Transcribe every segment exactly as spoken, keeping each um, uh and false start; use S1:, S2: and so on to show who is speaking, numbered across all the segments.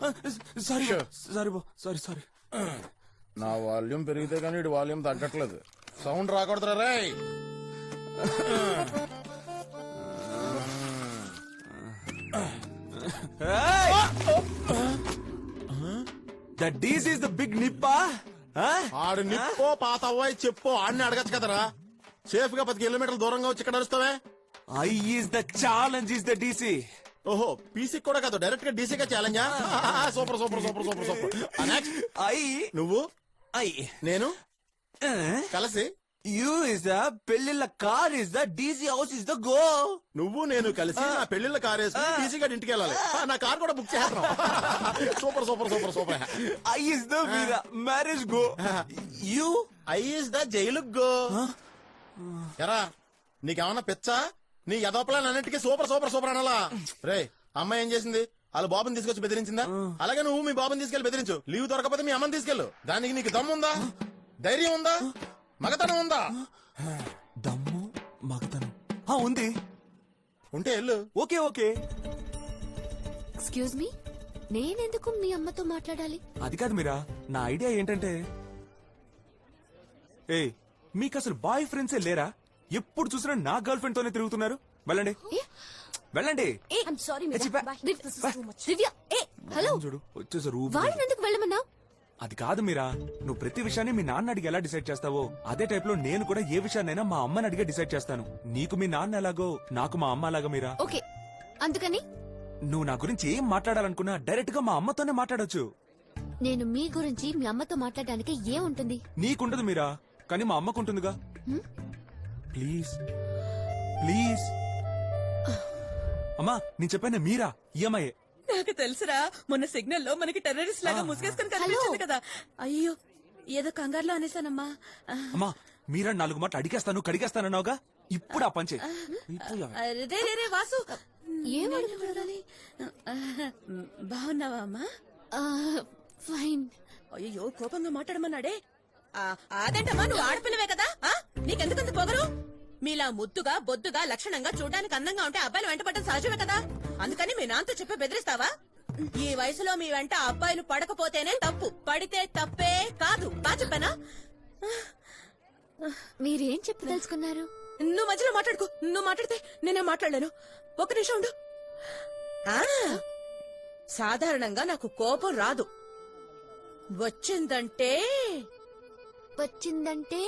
S1: Sorry sorry బో sorry sorry.
S2: నా volume పెరిగితే కానీ ఇటు వాల్యూమ్ తగ్గట్లేదు. సౌండ్ రాకూడదురా రేయ్.
S1: That this is the big నిప్పా.
S2: ఆడు నిప్పో పాత అవ్వాయి చెప్పో ఆడిని అడగచ్చు కదరా. సేఫ్ గా పది కిలోమీటర్ల దూరంగా వచ్చి ఇక్కడ అరుస్తావే.
S1: I is the challenge is the DC.
S2: ఓహో పీసీ కూడా కాదు, డైరెక్ట్ గా డీసీగా ఛాలెంజా. Super super super super super.
S1: I
S2: నువ్వు
S1: ఐ
S2: నేను కలిసి
S1: యూ ఇస్ ద పెళ్లిళ్ళ car is the DC house is the go.
S2: నువ్వు నేను కలిసి నా పెళ్లిళ్ళ కార్ వేసుకుని డీసీ గారి ఇంటికి వెళ్ళాలి. నా కార్ కూడా బుక్ చేస్తాం. Super super super super.
S1: I is the Veera marriage go. You
S2: I is the jail go. ఎరా నీకేమన్నా పిచ్చా? నీ యదోపలాన్ అన్నిటికీ సూపర్ సూపర్ సూపర్ అనాలా? రే అమ్మాయి ఏం చేసింది? వాళ్ళ బాబుని తీసుకొచ్చి బెదిరించిందా? అలాగే నువ్వు మీ బాబుని తీసుకెళ్లి బెదిరించు. లీవ్ దొరకపోతే మీ అమ్మని తీసుకెళ్ళు. దానికి నీకు దమ్ము ఉందా? ధైర్యం ఉందా? మగతనం ఉందా?
S1: దమ్ము మగతనం ఉంది.
S2: ఉంటే వెళ్ళు.
S1: Okay okay.
S3: ఎక్స్క్యూజ్ మీ, నేనెందుకు మీ అమ్మతో మాట్లాడాలి?
S1: అది కాదు మీరా, నా ఐడియా ఏంటంటే, ఏ మీకు అసలు బాయ్ ఫ్రెండ్సే లేరా? ఎప్పుడు చూసినా నా గర్ల్ ఫ్రెండ్ తోనే తిరుగుతున్నారు. వెళ్ళండి వెళ్ళండి.
S3: హలో
S1: చూడు వచ్చేసారు.
S3: వాళ్ళని ఎందుకు వెళ్ళమన్నా?
S1: అది కాదు మీరా, నువ్వు ప్రతి విషయాన్ని మీ నాన్న అడిగి ఎలా డిసైడ్ చేస్తావో అదే టైప్ లో నేను కూడా ఏ విషయాన్నైనా మా అమ్మని అడిగే డిసైడ్ చేస్తాను. నీకు మీ నాన్న ఎలాగో నాకు మా అమ్మ అలాగా మీరా.
S3: ఓకే అందుకని
S1: నువ్వు నా గురించి ఏం మాట్లాడాలనుకున్నా డైరెక్ట్ గా మా అమ్మతోనే మాట్లాడొచ్చు.
S3: నేను మీ గురించి మీ అమ్మతో మాట్లాడడానికి ఏముంటుంది?
S1: నీకుండదు మీరా, కానీ మా అమ్మకుంటుందిగా. ప్లీజ్ ప్లీజ్ అమ్మా, నేను చెప్పాను మీరా ఈ అమ్మాయే.
S4: నాకు తెలుసురా, మొన్న సిగ్నల్ లో మనకి టెర్రరిస్ట్ లాగా ముసుగేసుకుని కనిపించింది కదా. అయ్యో ఏదో కంగారులో అనేసానమ్మా.
S1: అమ్మా మీరా నాలుగు మాటలు అడిగేస్తాను కడిగేస్తానన్నావుగా, ఇప్పుడు ఆ పంచే.
S4: రే రే రే వాసు,
S3: ఏమడగాలి?
S4: బాగున్నావా అమ్మా?
S3: ఫైన్.
S4: అయ్యో కోపంగా మాట్లాడమన్నాడే. అదేంటమ్మా, నువ్వు ఆడపిల్లవే కదా, నీకెందుకంత పొగరు? మీలా ముద్దుగా బొద్దుగా లక్షణంగా చూడడానికి అందంగా ఉంటే అబ్బాయిలు వెంట పడడం సహజమే కదా. అందుకని మీ నాన్నతో చెప్పి బెదిరిస్తావా? ఈ వయసులో మీ వెంట అబ్బాయిలు పడకపోతేనే తప్పు, పడితే తప్పే కాదు. బా చెప్పానా?
S3: మీరేం చెప్పి తెలుసుకున్నారు?
S4: నువ్వు మధ్యలో మాట్లాడుకో. నువ్వు మాట్లాడితే నేనే మాట్లాడలేను. ఒక నిమిషం ఉండు. సాధారణంగా నాకు కోపం రాదు, వచ్చిందంటే
S3: వచ్చిందంటే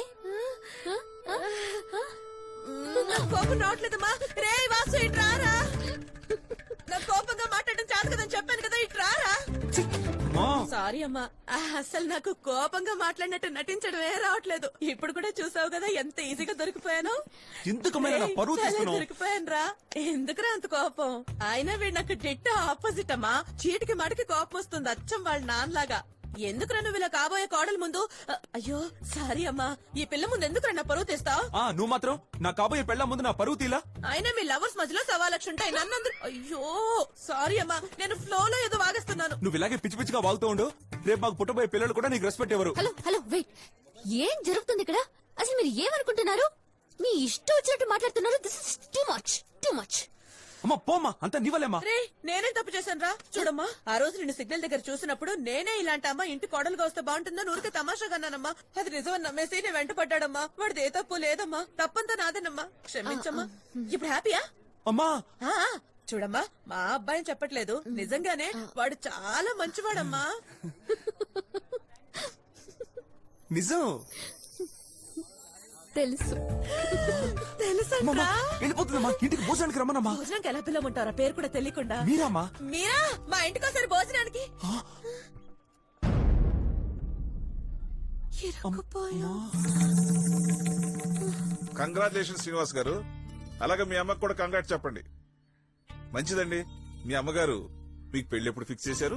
S4: కోపం రావట్లేదమ్మా. రే వాసు ఇటు రారా. నాకు కోపంగా మాట్లాడడం చాలు కదని చెప్పాను కదా, ఇటు రారా. సారీ అమ్మా, అసలు నాకు కోపంగా మాట్లాడినట్టు నటించడమే రావట్లేదు. ఇప్పుడు కూడా చూసావు కదా ఎంత ఈజీగా దొరికిపోయాను. దొరికిపోయాను రా. ఎందుకురా అంత కోపం? అయినా వీడు నాకు డిట్ట ఆపోజిట్ అమ్మా. చీటికి మడికి కోపం వస్తుంది, అచ్చం వాళ్ళ నాన్నలాగా. ఎందుకురా నువ్వు ఇలా కాబోయే కోడల ముందు? అయ్యో సారీ అమ్మా, ఈ పిల్ల ముందు ఎందుకురా నా పరువు తీస్తావు?
S1: నువ్వు మాత్రం నా కాబోయే పెళ్ళ ముందు నా పరువు తీలా.
S4: అయినా మీ లవర్స్ మధ్యలో సవా లక్ష ఉంటాయి, నన్ను. అయ్యో సారీ అమ్మా, నేను ఫ్లో లో ఏదో వాగేస్తున్నాను.
S1: నువ్వు ఇలాగే పిచ్చి పిచ్చిగా వాగుతూ ఉండు. రేపు మాకు పుట్టబోయే పిల్లలు కూడా నీకు రెస్పెక్ట్ ఎవరు.
S3: హలో హలో వెయిట్, ఏం జరుగుతుంది ఇక్కడ? అసలు మీరు ఏమనుకుంటున్నారు? మీ ఇష్టం వచ్చినట్టు మాట్లాడుతున్నారు. This is too much too much.
S1: అమ్మా పోమ్మా, అంతా నీవలేమ్మా.
S4: రే నేనేం తప్పు చేశాను రా? చూడమ్మా, ఆ రోజు నిన్ను సిగ్నల్ దగ్గర చూసినప్పుడు నేనే ఇలాంటి అమ్మ ఇంటి కోడలుగా వస్తే బాగుంటుందని ఊరికే తమాషాగా అన్నానమ్మా. అది నిజమని నమ్మేసి నేను వెంట పడ్డాడమ్మా. వాడిది ఏ తప్పు లేదమ్మా, తప్పంతా నాదేనమ్మా, క్షమించమ్మా. ఇప్పుడు హ్యాపీయా
S1: అమ్మా?
S4: చూడమ్మా, మా అబ్బాయిని చెప్పట్లేదు, నిజంగానే వాడు చాలా మంచివాడమ్మా.
S1: నిజం
S3: తెలుసు
S4: తెలుసా?
S1: వెళ్ళిపోతుందమ్మా, ఇంటికి భోజనానికి రమ్మనమ్మా.
S4: భోజనానికి ఎలా పిల్లమంటారా పేరు కూడా తెలియకుండా?
S1: మీరామ్మా?
S4: మీరా మా ఇంటికి ఒకసారి భోజనానికి.
S5: కంగ్రాచులేషన్ శ్రీనివాస్ గారు. అలాగే మీ అమ్మకు కూడా కంగ్రాట్ చెప్పండి. మంచిదండి. మీ అమ్మగారు మీకు పెళ్లి ఎప్పుడు ఫిక్స్ చేశారు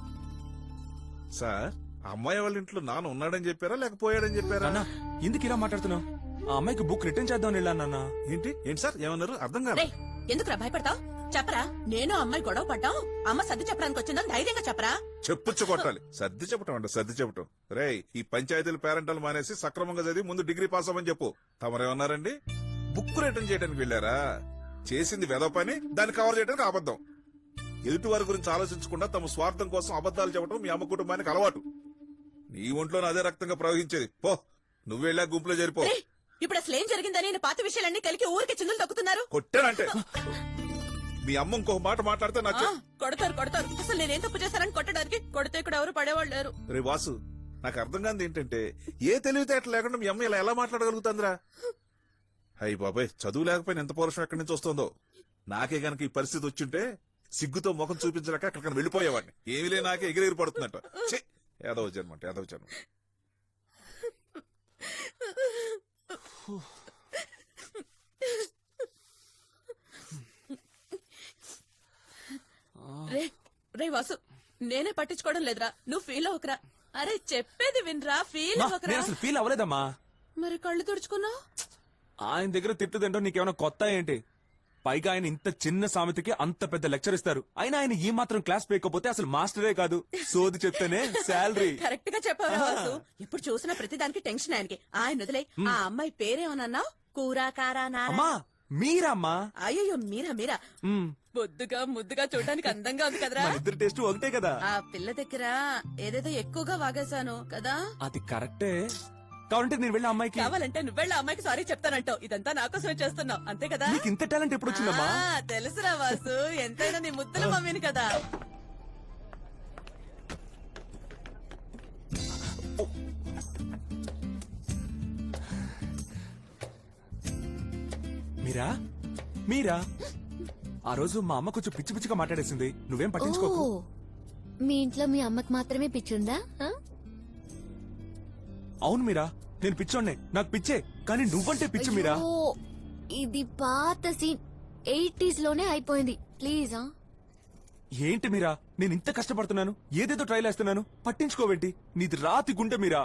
S5: సార్? అమ్మాయి వాళ్ళ ఇంట్లో నాన్న ఉన్నాడని చెప్పారా లేకపోయాడని చెప్పారా?
S1: ఎందుకు ఇలా మాట్లాడుతున్నావు? ఆ అమ్మాయికి బుక్ రిటర్న్ చేద్దాం వెళ్ళాను.
S5: ఏంటి ఏంటి సార్ ఏమన్నారు? అర్థం కాదు.
S4: ఎందుకురా భయపడతావు? చెప్పరా, నేను అమ్మాయి గొడవ పడ్డాం, అమ్మ సర్ది చెప్పడానికి వచ్చిందని ధైర్యంగా చెప్పరా.
S5: చెప్పుచ్చు కొట్టాలి. సర్ది చెప్పటం అంట సర్ది చెప్పటం. రే ఈ పంచాయతీలు పేరెంటాలు మానేసి సక్రమంగా చదివి ముందు డిగ్రీ పాస్ అవ్వని చెప్పు. తమరేమన్నారండి? బుక్ రిటర్న్ చేయడానికి వెళ్ళారా? చేసింది వెదవ పని, దాన్ని కవర్ చేయడానికి అబద్ధం. ఎదుటి వారి గురించి ఆలోచించకుండా తమ స్వార్థం కోసం అబద్ధాలు చెప్పడం మీ అమ్మ కుటుంబానికి అలవాటు. నీ ఒంట్లో అదే రక్తంగా ప్రవహించేది. పో, నువ్వు వెళ్ళా గుంపులో చేరిపో.
S4: రేయ్, ఇప్పుడు అసలు ఏం జరిగిందని నేను పాత విషయాలన్నీ కలిగి ఊరికి చిందులు తొక్కుతున్నారు.
S5: కొట్టానంటే మీ అమ్మ ఇంకొక మాట మాట్లాడితే
S4: ఆ,
S5: నాకు
S4: కొడతారు కొడతారు. అసలు నేనేం తప్పు చేశానని కొట్టడానికి కొడితే ఇక్కడ ఎవరు పడేవాళ్ళు లేరు.
S5: రే వాసు, నాకు అర్థం కాదు ఏంటంటే ఏ తెలివితేటలు లేకుండా మీ అమ్మ ఇలా ఎలా మాట్లాడగలుగుతుందిరా? అయ్యి బాబాయ్, చదువు లేకపోయినా ఎంత పౌరుషం ఎక్కడి నుంచి వస్తుందో. నాకే గనక ఈ పరిస్థితి వచ్చింటే సిగ్గుతో ముఖం చూపించలేక అక్కడికి వెళ్ళిపోయేవాడిని. ఏమీ లే, నాకే ఎగిరెగిరి పడుతుందట. ఛీ, యాదవ జన్మ అంటే యాదవ జన్మ.
S4: రే రే వాసు, నేనే పట్టించుకోవడం లేదురా, నువ్వు ఫీల్ అవ్వకరా. అరే చెప్పేది వినరా, ఫీల్
S1: మా,
S4: అవ్వకరా.
S1: నేను అసలు ఫీల్ అవ్వలేదమ్మా.
S4: మరి కళ్ళు తుడుచుకున్నావు.
S1: ఆయన దగ్గర తిట్టు తింటో నీకేమైనా కొత్త ఏంటి? పైగా ఆయన ఇంత చిన్న సామెతకి అంత పెద్ద లెక్చర్ ఇస్తారు. అయినా ఆయన ఈ మాత్రం క్లాస్ పేయకపోతే అసలు మాస్టరే కాదు. సోది చెప్తేనే శాలరీ.
S4: కరెక్ట్ గా చెప్పావు వాసు. ఇప్పుడు చూసిన ప్రతిదానికి టెన్షన్ ఆయనకి. ఆయన వదిలే. ఆ అమ్మాయి పేరేమన్నావు? కూర కారా నారా?
S1: అమ్మా మీరమ్మా.
S4: అయ్యో మీరా మీరా.
S1: మ్,
S4: బొద్దుగా ముద్దుగా చూడడానికి అందంగా ఉంది కదరా.
S1: మన ఇద్దరు టేస్ట్ ఒకటే కదా.
S4: ఆ పిల్ల దగ్గర ఏదేదో ఎక్కువగా వాగేశాను కదా.
S1: అది కరెక్టే. కావాలంటే నేను వెళ్ళి అమ్మాయికి.
S4: కావాలంటే నువ్వెళ్ళ అమ్మాయికి సారీ చెప్తానంటావు. ఇదంతా నా కోసమే చేస్తున్నావు అంతే కదా.
S1: నీకు ఇంత టాలెంట్ ఎప్పుడు వచ్చిందమ్మా?
S4: ఆ, తెలుసురా వాసు, ఎంతైనా నీ ముద్దుల మమ్మీని కదా.
S1: మీరా మీరా ఆ రోజు మా అమ్మ కొంచెం పిచ్చి పిచ్చిగా మాట్లాడేసింది. నువ్వేం పట్టించుకోకు.
S3: ఓ, మీ ఇంట్లో మీ అమ్మకి మాత్రమే పిచ్చుందా? ఆ?
S1: అవును మీరా, నేను పిచ్చోడ్నే, నాకు పిచ్చే. కానీ నువ్వంటే పిచ్చి మీరా.
S3: అయ్యో, ఇది పాత సీన్, ఎయిటీస్ లోనే అయిపోయింది. ప్లీజ్ ఆ?
S1: ఏంటి మీరా, నేను ఇంత కష్టపడుతున్నాను, ఏదేదో ట్రైల్ వేస్తున్నాను, పట్టించుకోబెట్టి. నీది రాతి గుండె మీరా.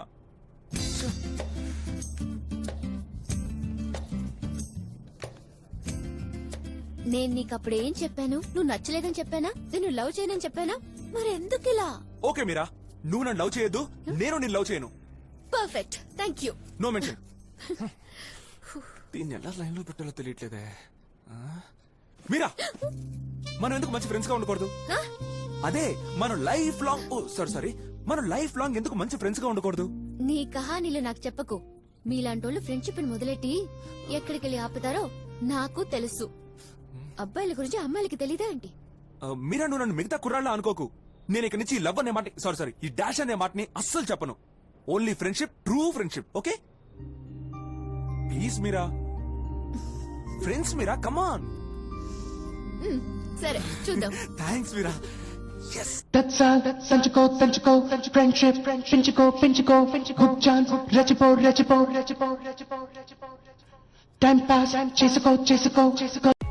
S3: నేను నీకు అప్పుడు ఏం చెప్పాను? నువ్వు నచ్చలేదని చెప్పానా? నేను లవ్ చేయనని చెప్పానా? మరి ఎందుకు ఇలా?
S1: ఓకే మీరా, నువ్వు నన్ను లవ్ చేయొద్దు, నేను నిన్ను లవ్ చేయను.
S3: Perfect, thank you.
S1: No mention. దీన్ని ఎలా లైన్ లో పెట్టాలో తెలియట్లేదే. ఆ? మీరా, మనం ఎందుకు మంచి ఫ్రెండ్స్ గా ఉండకూడదు? అదే మనం life long, oh sorry sorry మనం లైఫ్ లాంగ్ ఎందుకు మంచి ఫ్రెండ్స్ గా ఉండకూడదు?
S3: నీ కహానీలు నాకు చెప్పకు. మీలాంటోళ్ళు ఫ్రెండ్షిప్ మొదలెట్టి ఎక్కడికి వెళ్ళి ఆపుతారో నాకు తెలుసు. అబ్బాయిల గురించి అమ్మాయిలకి తెలీదా ఏంటి?
S1: ఆ, మీరా, నువ్వు నన్ను మిగతా కుర్రాళ్ళ అనుకోకు. నేను ఇక్కడి నుంచి లవ్ అనే మాట, సారీ సారీ ఈ డాష్ అనే మాటని అస్సలు చెప్పను. Only friendship, true friendship. Okay please Meera, friends Meera, come on.
S3: మ్, సరే చూద్దాం.
S1: Thanks Meera.
S6: That's all. Penchuko, Penchuko, friendship, Penchuko, Penchuko, good chance, Rechipo, Rechipo, Rechipo, Rechipo, Rechipo, Time pass, Chesico, Chesico, Chesico.